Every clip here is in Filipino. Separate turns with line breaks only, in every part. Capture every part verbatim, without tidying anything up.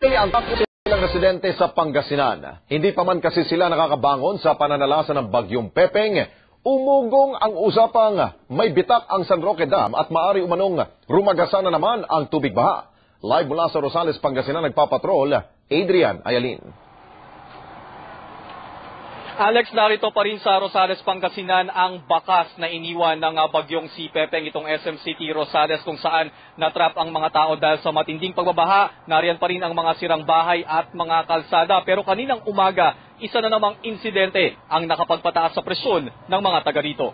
Ang takot ng residente sa Pangasinan. Hindi pa man kasi sila nakakabangon sa pananalasa ng bagyong Pepeng. Umugong ang usapang may bitak ang San Roque Dam at maari umanong rumagasan na naman ang tubig baha. Live mula sa Rosales, Pangasinan, nagpapatrol, Adrian Ayalin.
Alex, narito pa rin sa Rosales, Pangasinan ang bakas na iniwan ng bagyong si Pepeng, itong S M City Rosales, kung saan natrap ang mga tao dahil sa matinding pagbabaha. Nariyan pa rin ang mga sirang bahay at mga kalsada. Pero kaninang umaga, isa na namang insidente ang nakapagpataas sa presyon ng mga taga rito.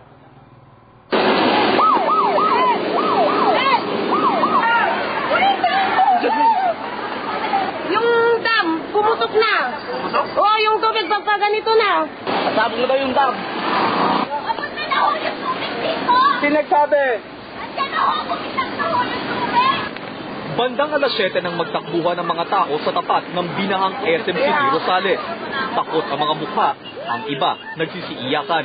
Yung dam, pumutok na. Pumutok? Oo, yung tubig pagka ganito na.
Sabi mo daw yung dam.
Abot na na ho yung tubig dito.
Pinagsabi.
Andiyan na ho, pumitak na ho yung tubig.
Bandang alas siyete nang magtakbuhan ng mga tao sa tapat ng binahang S M City Rosales. Takot ang mga mukha, ang iba nagsisiiyakan.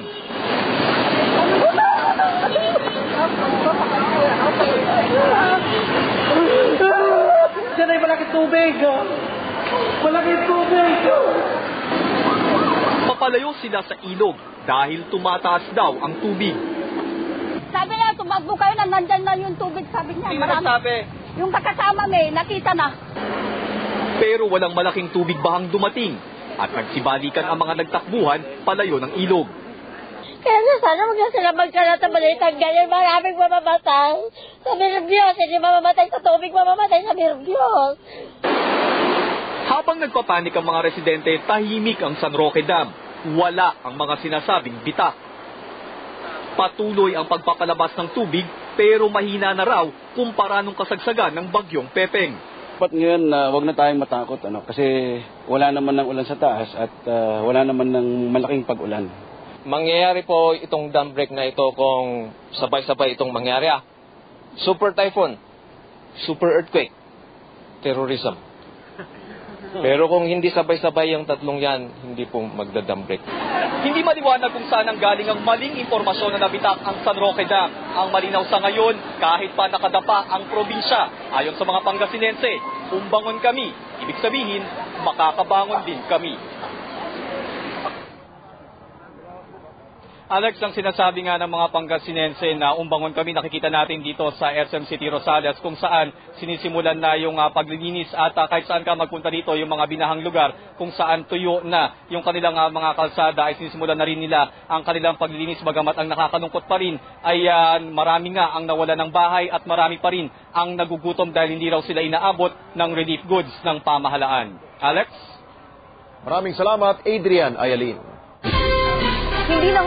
Diyan ay malaki tubig. Malaki tubig.
Papalayo sila sa ilog dahil tumataas daw ang tubig.
Sabi niya, tumakbo kayo na nandyan na yung tubig. Sabi niya,
Sino
marami.
nagsabi?
Yung kakasama may, nakita na.
Pero walang malaking tubig bahang dumating at nagsibalikan ang mga nagtakbuhan palayo ng ilog.
Kaya na sana huwag na sila magkalat na balitan ganyan. Maraming mamamatay. Sabi ng Diyos, hindi mamamatay sa tubig, mamamatay sa ng Diyos.
Habang nagpapanik ang mga residente, tahimik ang San Roque Dam. Wala ang mga sinasabing bitak. Patuloy ang pagpapalabas ng tubig pero mahina na raw kumpara nung kasagsagan ng bagyong Pepeng.
Dapat ngayon uh, wag na tayong matakot ano, kasi wala naman ng ulan sa taas at uh, wala naman ng malaking pag-ulan.
Mangyayari po itong dam break na ito kung sabay-sabay itong mangyari. Ah. Super typhoon, super earthquake, terrorism. Pero kung hindi sabay-sabay yung tatlong yan, hindi po magda-dam break.
Hindi maliwanag kung saan ang galing ang maling impormasyon na nabitak ang San Roque Dam. Ang malinaw sa ngayon, kahit pa nakadapa ang probinsya, ayon sa mga Pangasinense, umbangon kami, ibig sabihin, makakabangon din kami. Alex, ang sinasabi nga ng mga Pangasinense na umbangon kami, nakikita natin dito sa S M City Rosales kung saan sinisimulan na yung uh, paglilinis at uh, kahit saan ka magpunta dito yung mga binahang lugar kung saan tuyo na yung kanilang uh, mga kalsada ay sinisimulan na rin nila ang kanilang paglilinis, bagamat ang nakakalungkot pa rin ay uh, marami nga ang nawala ng bahay at marami pa rin ang nagugutom dahil hindi raw sila inaabot ng relief goods ng pamahalaan. Alex?
Maraming salamat, Adrian Ayalin.
Hindi na